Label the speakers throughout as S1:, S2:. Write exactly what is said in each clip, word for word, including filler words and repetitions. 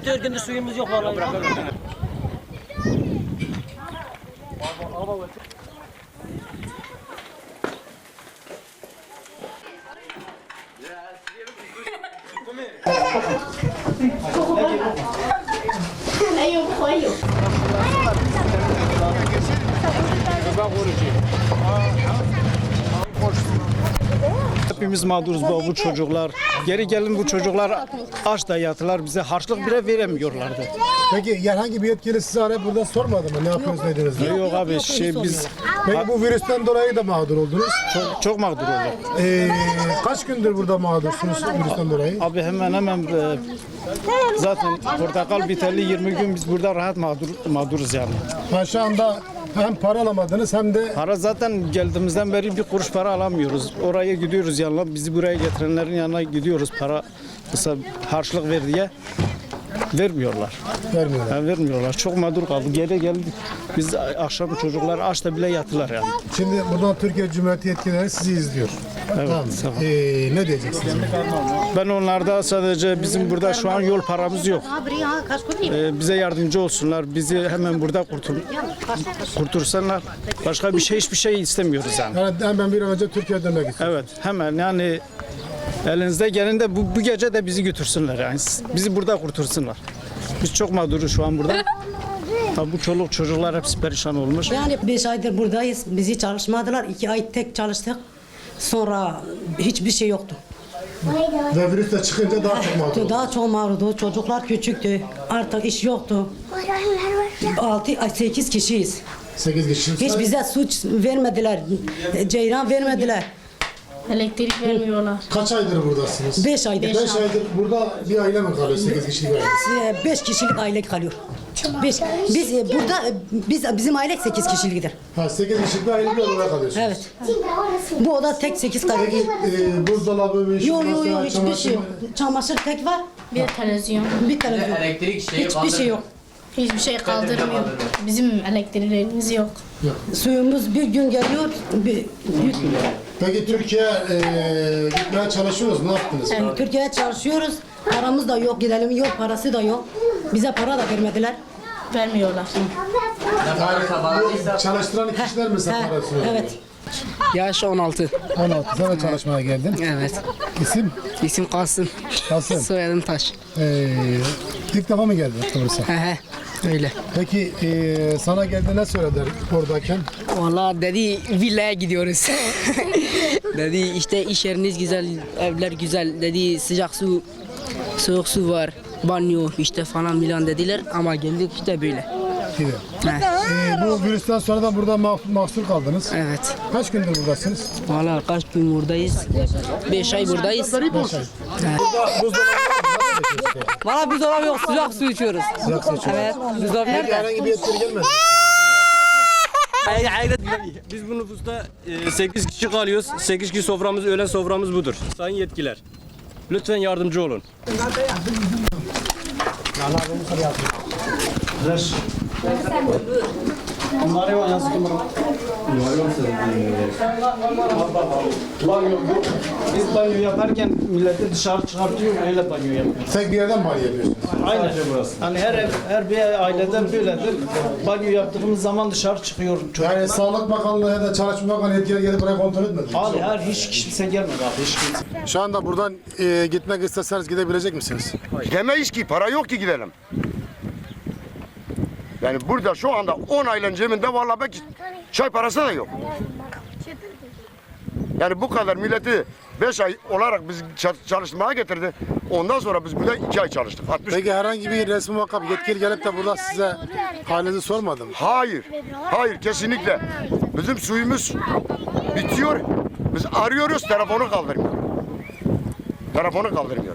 S1: dört gündür suyumuz yok vallahi.
S2: Hepimiz mağduruz bu, bu çocuklar. Geri gelin bu çocuklar aç da yatılar, bize harçlık bile veremiyorlardı.
S3: Peki herhangi bir yetkili size arayıp burada sormadı mı? Ne yapıyoruz, ne ediyoruz diye?
S2: Yok abi şey biz
S3: Peki bu virüsten dolayı da mağdur oldunuz.
S2: çok, çok mağdur olduk.
S3: Ee, kaç gündür burada mağdursunuz virüsten dolayı?
S2: Abi hemen hemen e, zaten portakal biteli yirmi gün biz burada rahat mağdur, mağduruz yani.
S3: Ha, şu anda hem para alamadınız hem de
S2: Para zaten geldiğimizden beri bir kuruş para alamıyoruz. Oraya gidiyoruz yanına, bizi buraya getirenlerin yanına gidiyoruz. Para mesela harçlık ver diye vermiyorlar.
S3: vermiyorlar.
S2: Yani vermiyorlar. Çok mağdur kaldık. Geri geldik. Biz akşam çocuklar açta bile yatılar yani.
S3: Şimdi buradan Türkiye Cumhuriyeti yetkilileri sizi izliyor. tamam.
S2: tamam.
S3: Ee, ne diyeceksiniz?
S2: Ben onlarda sadece bizim burada şu an yol paramız yok. Ee, bize yardımcı olsunlar. Bizi hemen burada kurtul kurtursanlar. Başka bir şey hiçbir şey istemiyoruz yani.
S3: Yani hemen bir an önce Türkiye'ye dönmek istiyorum.
S2: Evet hemen yani elinizde gelin de bu, bu gece de bizi götürsünler yani. Bizi burada kurtursunlar. Biz çok mağduruz şu an burada. Tabii bu çoluk çocuklar hepsi perişan olmuş.
S4: Yani beş aydır buradayız. Bizi çalışmadılar. İki ay tek çalıştık. Sonra hiçbir şey yoktu.
S3: Ve virüs de çıkınca daha çok mağdur oldunuz.
S4: Daha çok mağdurdu. Çocuklar küçüktü. Artık iş yoktu. Altı, ay sekiz kişiyiz.
S3: sekiz kişi.
S4: Hiç bize suç vermediler. Ceyran vermediler.
S5: Elektrik vermiyorlar.
S3: Kaç aydır buradasınız?
S4: Beş aydır.
S3: beş aydır burada bir aile mi kalıyor? sekiz kişilik aile.
S4: Ee, Beş kişilik aile kalıyor. Beş. Biz e, burada e, biz bizim aile sekiz kişiliktir.
S3: Ha, sekiz kişilik bir aile bir odada kalıyorsunuz.
S4: Evet. Bu oda tek sekiz kalıyor.
S3: Ee, buzdolabı, bir
S4: Yok yok yok
S3: masa,
S4: hiçbir şey yok.
S3: çamaşır-
S4: Çamaşır tek var.
S5: Bir televizyon.
S4: Bir televizyon.
S6: Elektrik şeyi
S4: Hiçbir şey yok.
S5: Hiçbir şey kaldırmıyor. Bizim elektriklerimiz yok.
S4: Suyumuz bir gün geliyor. Bir, bir,
S3: Peki Türkiye e, gitmeye çalışıyoruz. Ne yaptınız?
S4: yani Türkiye'ye çalışıyoruz. Paramız da yok. Gidelim yok. Parası da yok. Bize para da vermediler.
S5: Vermiyorlar.
S3: Yani bu çalıştıran kişiler mi
S4: Ha,
S3: parası?
S4: evet.
S7: Yaş on altı.
S3: on altı sene çalışmaya geldin.
S7: Evet.
S3: İsim?
S7: İsim Kasım.
S3: Kasım.
S7: Soyadım Taş.
S3: Ee, ilk defa mı geldin doğrusu?
S7: He he. Öyle.
S3: Peki e, sana geldi ne söylediler oradayken?
S7: Valla dedi villaya gidiyoruz. Dedi işte iş yeriniz güzel, evler güzel. Dedi sıcak su, soğuk su var, banyo işte falan filan dediler ama geldik işte böyle.
S3: Gibi.
S7: He.
S3: Ee, bu virüsten sonra da burada mah- mahsur kaldınız.
S7: Evet.
S3: Kaç gündür buradasınız?
S7: Valla kaç gün buradayız? Beş ay buradayız.
S3: Beş ay.
S7: He.
S3: Burada buzdolabı
S7: Valla buzdolabı yok, sıcak su içiyoruz.
S3: Sıcak su içiyoruz.
S7: Evet. Buzdolabı
S3: Peki
S7: nerede?
S3: herhangi bir yetkili gelmedi.
S1: Biz bu nüfusta sekiz kişi kalıyoruz. sekiz kişi soframız, öğlen soframız budur. Sayın yetkililer, lütfen yardımcı olun.
S2: Biz banyo yaparken milleti dışarı çıkartıyor, öyle banyo yapıyoruz.
S3: Tek bir yerden banyo yapıyorsunuz.
S2: Aynen burası. Hani her ev, her bir aileden böyledir. Banyo yaptığımız zaman dışarı çıkıyor.
S3: Yani Sağlık Bakanlığı ya da Çalışma Bakanlığı yetkili gelip buraya kontrol etmedi.
S2: Abi her hiç kimse gelmedi abi, hiç kimse.
S3: Şu anda buradan e, gitmek isteseniz gidebilecek misiniz?
S8: Gidemeyiz ki, para yok ki gidelim. Yani burada şu anda on ayların cebinde vallahi belki çay parası da yok. Yani bu kadar milleti beş ay olarak biz çalışmaya getirdi. Ondan sonra biz burada iki ay çalıştık. altmış
S3: Peki herhangi bir resmi makam yetkili gelip de burada size halinizi sormadı mı?
S8: Hayır, hayır kesinlikle. Bizim suyumuz bitiyor. Biz arıyoruz, telefonu kaldırmıyor. Telefonu kaldırmıyor.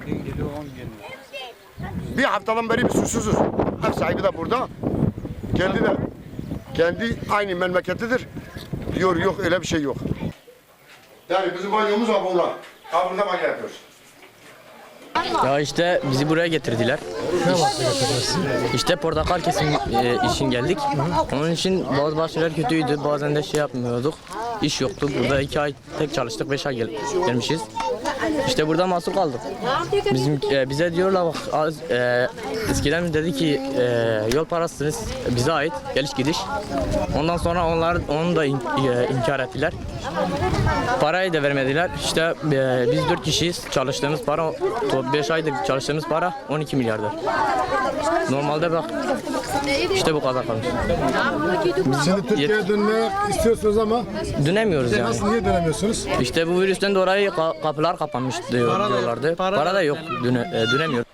S8: Bir haftadan beri biz susuzuz. Ev sahibi de burada. Kendi de kendi aynı memleketidir. Diyor yok öyle bir şey yok. Yani bizim banyomuz var burada. Ha burada banyo yapıyoruz.
S9: Ya işte bizi buraya getirdiler. İşte portakal kesim e, için geldik. Onun için bazı bazı şeyler kötüydü. Bazen de şey yapmıyorduk. İş yoktu. Burada iki ay tek çalıştık. Beş ay gel gelmişiz. İşte burada mahsur kaldık. Bizim e, bize diyorlar bak az, e, eskiden dedi ki e, yol parasınız bize ait geliş gidiş. Ondan sonra onlar onu da in, e, inkar ettiler. Parayı da vermediler. İşte e, biz dört kişiyiz. Çalıştığımız para beş aydır çalıştığımız para on iki milyardır. Normalde bak işte bu kadar kalmış.
S3: Şimdi Türkiye'ye dönmek istiyorsunuz ama
S9: Dönemiyoruz yani.
S3: nasıl, niye dönemiyorsunuz?
S9: İşte bu virüsten dolayı ka- kapılar kapanmış diyor, diyorlardı. Para, da yok. Döne, e, dönemiyor.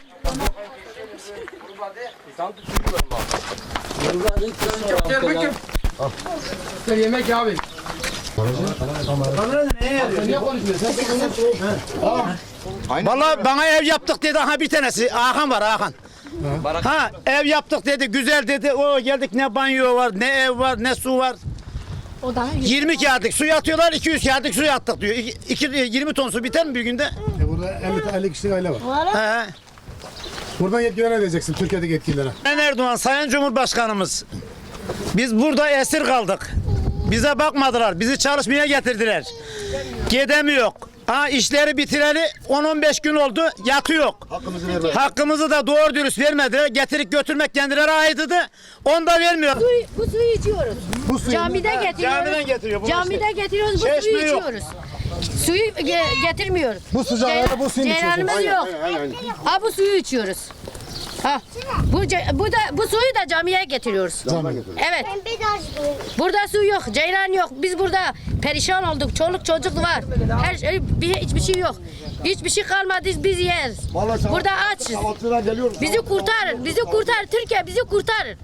S6: Vallahi bana ev yaptık dedi, aha bir tanesi Hakan var Hakan. Ha ev yaptık dedi, güzel dedi. O geldik, ne banyo var, ne ev var, ne su var. yirmi kağıtlık su yatıyorlar, iki yüz kağıtlık su yattık diyor. İki, yirmi ton su biter mi bir günde?
S3: E burada elli, elli kişilik aile var.
S6: He.
S3: Buradan yetkililere ne diyeceksin, Türkiye'deki yetkililere?
S6: Sayın Erdoğan, Sayın Cumhurbaşkanımız, biz burada esir kaldık. Bize bakmadılar, bizi çalışmaya getirdiler. Gidemiyor. Ha işleri bitireli on on beş gün oldu, yatıyor.
S3: Hakkımızı vermedi.
S6: Hakkımızı da doğru dürüst vermediler. Getirip götürmek kendileri aitıdı. Onu da vermiyor.
S10: Bu suyu içiyoruz.
S3: Bu suyu
S10: Camide
S6: Ha,
S10: getiriyoruz.
S6: camiden getiriyor bunu
S10: Camide getiriyoruz, bu
S6: Çeşme
S10: suyu
S6: yok.
S10: içiyoruz. Suyu ge- getirmiyoruz.
S3: Bu sıcaklarda bu suyu içiyorsunuz.
S10: Ceylanımız yok. Ha bu suyu içiyoruz. Ha. Bu ce- bu da bu suyu da camiye getiriyoruz.
S3: Camiye getiriyoruz.
S10: Evet. Burada su yok, ceylan yok. Biz burada perişan olduk. Çoluk çocuk var. Her şey, bir, hiçbir şey yok. Hiçbir şey kalmadı, biz yeriz. Burada açız. Bizi kurtarın, bizi kurtar. Türkiye bizi kurtarın.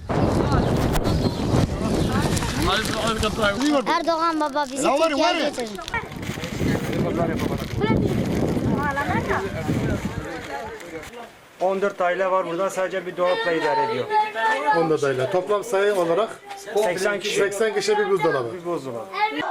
S11: Erdoğan baba bizi Türkiye'ye getirin.
S1: on dört aile var burada, sadece bir dolapla idare ediyor.
S3: on dört aile. Toplam sayı olarak
S1: seksen kişi.
S3: seksen kişi bir buzdolabı.
S1: Bir buzdolabı.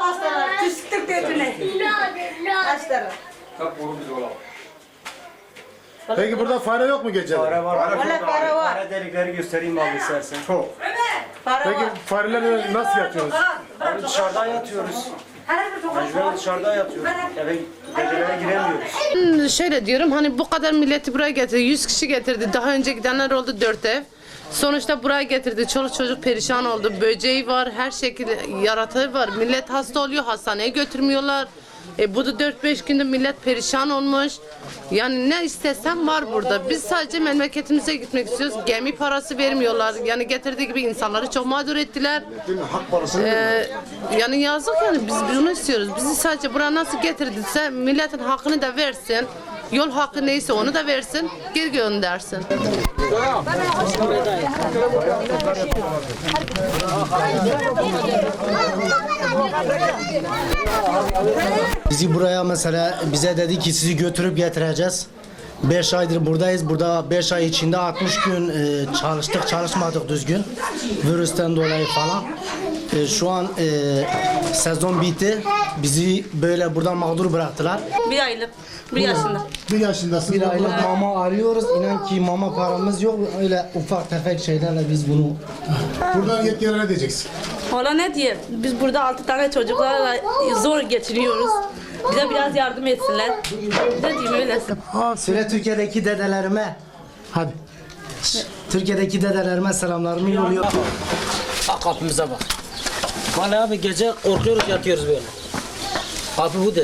S3: Peki burada fare yok mu gece?
S1: Para var. Para, para var. Para delikleri göstereyim abi istersen. Çok.
S3: Peki farelerle nasıl yatıyorsunuz?
S1: Abi dışarıdan yatıyoruz. Mecburen dışarıdan yatıyoruz. Eve gecelere giremiyoruz.
S12: Şöyle diyorum, hani bu kadar milleti buraya getirdi, yüz kişi getirdi, daha önce gidenler oldu dört ev. Sonuçta buraya getirdi, çoluk çocuk perişan oldu, böceği var, her şekilde yaratığı var. Millet hasta oluyor, hastaneye götürmüyorlar. E bu da dört beş günde millet perişan olmuş. Yani ne istesem var burada. Biz sadece memleketimize gitmek istiyoruz. Gemi parası vermiyorlar. Yani getirdiği gibi insanları çok mağdur ettiler.
S3: Hak parası
S12: Ee, yani yazık yani, biz bunu istiyoruz. Bizi sadece buraya nasıl getirdiyse milletin hakkını da versin. Yol hakkı neyse onu da versin. Geri göndersin.
S6: Bizi buraya mesela bize dedi ki sizi götürüp getireceğiz. beş aydır buradayız. Burada beş ay içinde altmış gün e, çalıştık, çalışmadık düzgün. Virüsten dolayı falan. E, şu an e, sezon bitti. Bizi böyle buradan mağdur bıraktılar.
S7: Bir aylık, bir yaşında.
S3: bir yaşındasın.
S6: Bir aylık mama arıyoruz. İnan ki mama paramız yok. Öyle ufak tefek şeylerle biz bunu...
S3: Buradan yetkililere ne diyeceksin?
S7: Valla ne diye? Biz burada altı tane çocuklarla zor geçiriyoruz. Bize biraz yardım etsinler. Ne diyeyim öyle.
S6: Söyle Türkiye'deki dedelerime. Hadi. Türkiye'deki dedelerime selamlarımı yolluyorum.
S9: Bak kapımıza bak. Vallahi abi gece korkuyoruz yatıyoruz böyle. Kapı budur.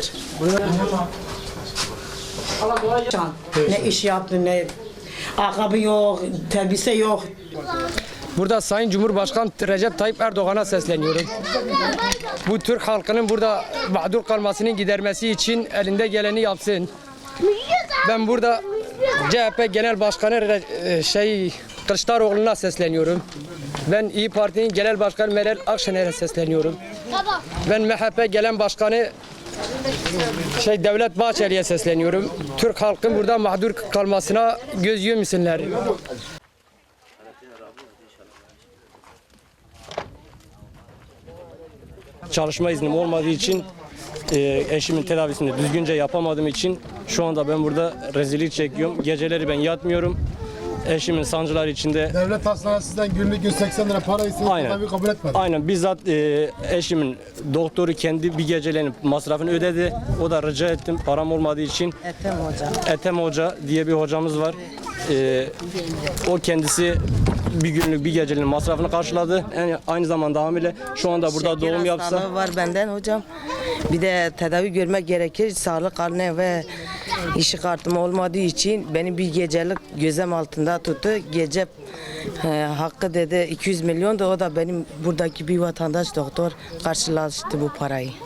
S4: Ne iş yaptı, ne ayakkabı yok, elbise yok.
S1: Burada Sayın Cumhurbaşkanı Recep Tayyip Erdoğan'a sesleniyorum. Bu Türk halkının burada mağdur kalmasını gidermesi için elinde geleni yapsın. Ben burada C H P Genel Başkanı Re- şey Kılıçdaroğlu'na sesleniyorum. Ben İyi Parti'nin Genel Başkanı Meral Akşener'e sesleniyorum. Ben M H P Genel Başkanı şey Devlet Bahçeli'ye sesleniyorum. Türk halkın burada mağdur kalmasına göz yumsunlar. Çalışma iznim olmadığı için e, eşimin tedavisini düzgünce yapamadığım için şu anda ben burada rezillik çekiyorum. Geceleri ben yatmıyorum.
S13: eşimin sancılar içinde.
S3: Devlet hastanesinden günlük yüz seksen lira para istedi.
S13: Aynen.
S3: Tabii kabul etmedi.
S13: Aynen bizzat e, eşimin doktoru kendi bir gecelerin masrafını ödedi. O da rica ettim param olmadığı için.
S4: Ethem Hoca.
S13: Ethem Hoca diye bir hocamız var. E, o kendisi bir günlük bir gecenin masrafını karşıladı. Yani aynı zamanda hamile. Şu anda burada
S4: Şeker
S13: doğum yapsa.
S4: hastalığı var benden hocam. Bir de tedavi görmek gerekir. Sağlık karne ve işi kartım olmadığı için beni bir gecelik gözlem altında tuttu. Gece e, hakkı dedi iki yüz milyon da o da benim buradaki bir vatandaş doktor karşılaştı bu parayı.